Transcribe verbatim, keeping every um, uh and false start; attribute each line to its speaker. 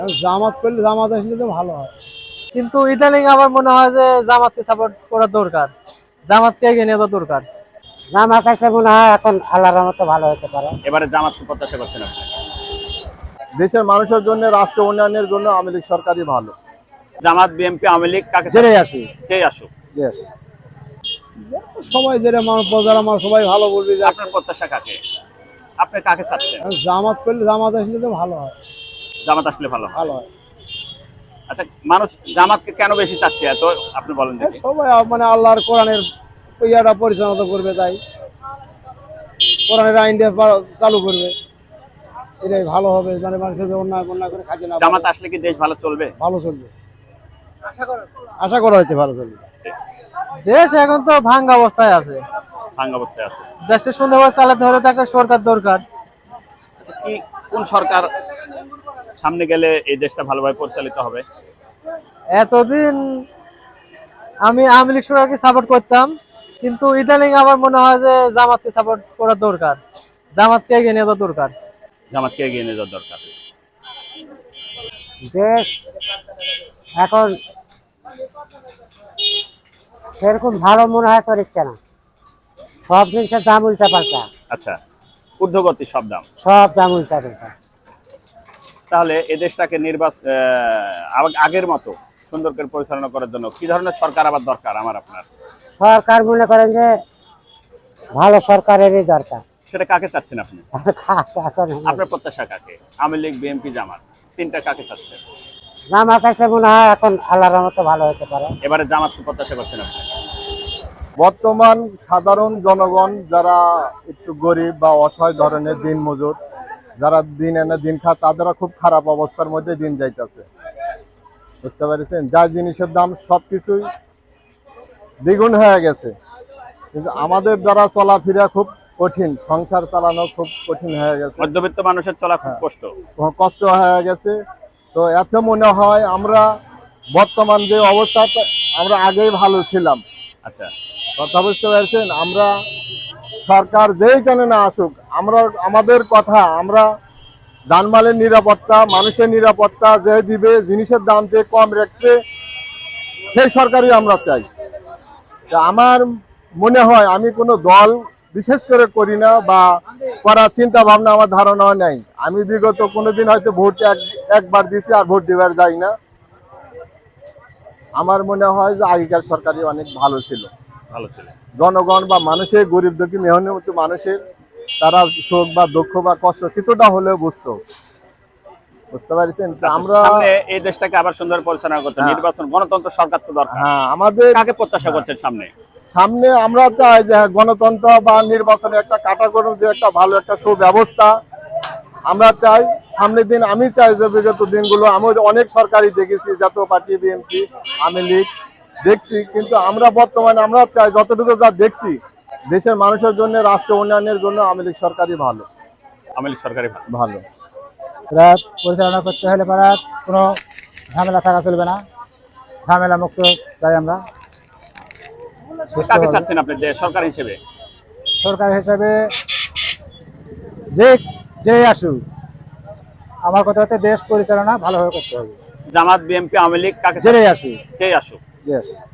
Speaker 1: জামাত করলে জামাত আসলে তো ভালো হয়,
Speaker 2: কিন্তু ইদানিং আমার মনে হয় যে জামাতকে সাপোর্ট করা দরকার, জামাতকে এগিয়ে নেওয়া দরকার।
Speaker 3: জামাত আসলে মনে হয় এখন আল্লাহর রহমতে ভালো হতে পারে।
Speaker 4: এবারে জামাতকে প্রত্যাশা করছেন আপনি?
Speaker 1: দেশের মানুষের জন্য, রাষ্ট্র উন্নয়নের জন্য আওয়ামী লীগ সরকারই ভালো।
Speaker 4: জামাত, বিএনপি, আওয়ামী লীগ কাকে
Speaker 1: যেটাই আসুক,
Speaker 4: চেয়ে আসুক?
Speaker 1: যে আসুক সবাই, যেটা মানুষ প্রজার আমার সবাই ভালো বলবে। যে
Speaker 4: আপনার প্রত্যাশা কাকে? আপনি কাকে চাচ্ছেন?
Speaker 1: জামাত করলে জামাত আসলে তো ভালো হয়,
Speaker 4: জামাত আসলে ভালো হয়।
Speaker 1: ভালো হয়।
Speaker 4: আচ্ছা, মানুষ জামাতকে কেন বেশি চাচ্ছে এত, আপনি বলেন দেখি।
Speaker 1: সবাই মানে আল্লাহর কোরআনের ইয়াটা পরিচালনা করবে, তাই কোরআনের আইনটা চালু করবে, এটাই ভালো হবে। মানে মানুষের অন্যায় অন্যায় করে খাইতে না,
Speaker 4: জামাত আসলে কি দেশ ভালো চলবে?
Speaker 1: ভালো চলবে, আশা করা হচ্ছে ভালো চলবে।
Speaker 2: দেশ এখন তো ভাঙ্গা অবস্থায় আছে,
Speaker 4: ভাঙ্গা অবস্থায় আছে।
Speaker 2: দেশে সুন্দরভাবে চালাতে হলে তো একটা সরকার দরকার।
Speaker 4: আচ্ছা, কি কোন সরকার সামনে গেলে এই দেশটা ভালোভাবে পরিচালিত হবে?
Speaker 2: এতদিন আমি আওয়ামী লীগ সরকারকে সাপোর্ট করতাম, কিন্তু ইদানিং আমার মনে হয় যে জামাতকে সাপোর্ট করা দরকার, জামাতকে এগিয়ে নেওয়া দরকার।
Speaker 4: জামাতকে এগিয়ে নিয়ে যাওয়া দরকার।
Speaker 3: দেশ এখন সেরকম ভালো মনে হয় চরিত্র না, সব জিনিসের দাম উল্টা পাল্টা,
Speaker 4: আচ্ছা, ঊর্ধ্বগতি সব দাম।
Speaker 3: সব দাম উল্টা পাল্টা।
Speaker 4: তাহলে এই দেশটাকে নির্বাচন আগের মতো সুন্দর করে পরিচালনা করার জন্য কি ধরনের সরকার আবার দরকার আমার আপনার?
Speaker 3: সরকার মনে করেন যে ভালো সরকারেরই দরকার।
Speaker 4: সেটা কাকে চাচ্ছেন আপনি?
Speaker 3: এখন
Speaker 4: আপনার প্রত্যাশা কাকে? আওয়ামী লীগ, বিএনপি, জামাত, তিনটা কাকে চাচ্ছেন?
Speaker 3: জামাত আসলে মনে হয় এখন আল্লাহর রহমতে ভালো হতে পারে।
Speaker 4: এবারে জামাতকে প্রত্যাশা করছেন আপনি?
Speaker 1: বর্তমান সাধারণ জনগণ যারা একটু গরিব বা অসহায় ধরনের দিন মজুর, যারা দিন এনে দিন খায়, তাদেরও খুব খারাপ অবস্থার মধ্যে দিন যাইতেছে, বুঝতে পারছেন? যা জিনিসের দাম সবকিছুই দ্বিগুণ হয়ে গেছে, কিন্তু আমাদের দ্বারা চলাফেরা খুব কঠিন, সংসার চালানো খুব কঠিন হয়ে গেছে,
Speaker 4: মধ্যবিত্ত মানুষের চলা খুব কষ্ট
Speaker 1: কষ্ট হয়ে গেছে। তো এত মনে হয় আমরা বর্তমান যে অবস্থা, আমরা আগেই ভালো ছিলাম।
Speaker 4: আচ্ছা,
Speaker 1: কথা বুঝতে পারছেন? আমরা সরকার যেই কেন না আসুক, আমরা আমাদের কথা, আমরা জানমালের নিরাপত্তা, মানুষের নিরাপত্তা যে দিবে, জিনিসের দাম যে কম রাখবে, সেই সরকারই আমরা চাই। আমার মনে হয়, আমি কোনো দল বিশেষ করে করি না বা করার চিন্তা ভাবনা আমার ধারণা নাই। আমি বিগত কোনোদিন হয়তো ভোট এক একবার দিয়েছি, আর ভোট দেওয়ার যাই না। আমার মনে হয় যে আগেকার সরকারই অনেক ভালো ছিল,
Speaker 4: ভালো ছিল।
Speaker 1: জনগণ বা মানুষের, গরিব দুঃখী মেহনত মানুষের, তারা সুখ বা দুঃখ বা কষ্ট কিছুটা হলেও বুঝতো, বুঝতে পারছেন? আমরা
Speaker 4: সামনে এই দেশটাকে আবার সুন্দর পরিচালনা করতে নির্বাচন, গণতন্ত্র সরকার তো দরকার।
Speaker 1: হ্যাঁ, আমাদের
Speaker 4: কাকে প্রত্যাশা করছেন সামনে?
Speaker 1: সামনে আমরা চাই যে গণতন্ত্র বা নির্বাচনে একটা কাটাগড়, যে একটা ভালো একটা সুব্যবস্থা আমরা চাই সামনের দিন। আমি চাই যে বিগত দিনগুলো আমি অনেক সরকারই দেখেছি, জাতীয় পার্টি, বিএনপি, আওয়ামী লীগ দেখছি, কিন্তু আমরা বর্তমানে আমরা চাই যতটুকু যা দেখছি, দেশের মানুষের জন্য, রাষ্ট্র উন্নয়নের জন্য আওয়ামী লীগ সরকারই ভালো,
Speaker 4: আওয়ামী লীগ সরকারই
Speaker 1: ভালো।
Speaker 3: এরা পরিচালনা করতে হলে পরে কোনো ঝামেলা থাকা চলবে না, ঝামেলা মুক্ত চাই আমরা।
Speaker 4: কাকে চাচ্ছেন আপনি সরকার হিসেবে?
Speaker 3: সরকার হিসাবে যে যে আসুক, আমার কথা হচ্ছে দেশ পরিচালনা ভালোভাবে করতে হবে।
Speaker 4: জামাত, বিএনপি, আওয়ামী লীগ কাকে
Speaker 3: যেটাই আসুক,
Speaker 4: চেয়ে আসুক?
Speaker 3: যে আসুক।